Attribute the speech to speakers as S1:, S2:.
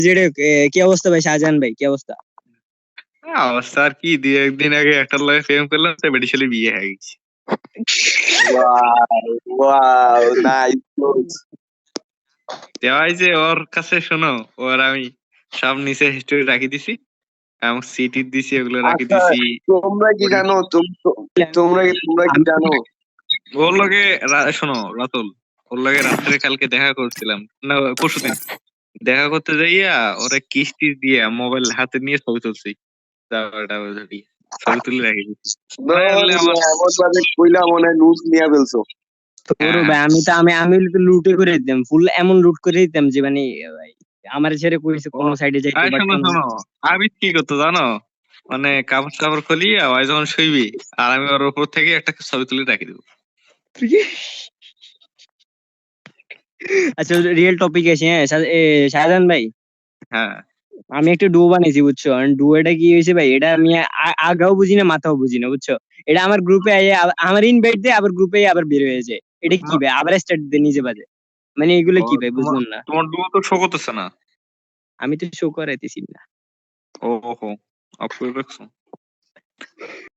S1: যেটা কি অবস্থা ভাই শাহজাহান ভাই, কি অবস্থা?
S2: অবস্থা আর কি, 2-1 দিন আগে একটা লগে প্রেম করলাম, তো বেডিশালি বিয়ে হয়ে গেছে।
S3: Wow nice.
S2: দেওয়াই যে ওর কাছে, শোনো, ওর আমি সব নিচে হিস্টোরি রাখি দিছি এবং সিটি দিছি, ওগুলো রাখি
S3: আচ্ছা
S2: দিছি।
S3: তোমরা কি জানো তোমরা কি জানো
S2: ওর লগে শোনো রাতুল, ওর লগে রাত্রে কালকে দেখা করছিলাম, না পরশুদিন দেখা করতে যাইয়া ওরা কিস্তি দিয়া মোবাইল হাতে নিয়ে ছবি তুলছি, ছবি তুলে রাখি দিছি।
S3: এমন ভাবে কইলা মনে হয় লুজ নিয়ে ফেলছো।
S1: ভাই আমি তো লুটে করে দিতাম, ফুল এমন লুট করে দিতাম যে মানে ভাই আমার ছেড়ে কইছে কোন সাইডে যাইতে পারতো না।
S2: শোনো, আমি কি করতো জানো, মানে কাপড় টাপড় খুলিয়া ওই যখন শুইবি আর আমি ওর উপর থেকে একটা ছবি তুলে রাখি দেবো।
S1: আচ্ছা রিয়েল টপিক আছে, হ্যাঁ শাহজাহান ভাই,
S2: হ্যাঁ
S1: আমি একটা ডুয়ো বানাইছি বুঝছো। ডুয়োটা কি হয়েছে ভাই, এটা আমি আগাও বুঝি না মাথাও বুঝি না বুঝছো। এটা আমার গ্রুপে আমার ইনভাইট দিয়ে আবার গ্রুপে আবার বের হয়ে যায়। এটা কি ভাই, আবার স্টার্ট দিয়ে নিজে বাজে, মানে এগুলো কি ভাই বুঝলাম না।
S2: তোমার ডুয়ো তো শো করতেছে না।
S1: আমি তো শো করাইতেছি না।
S2: ওহো, অফ করে রাখছো।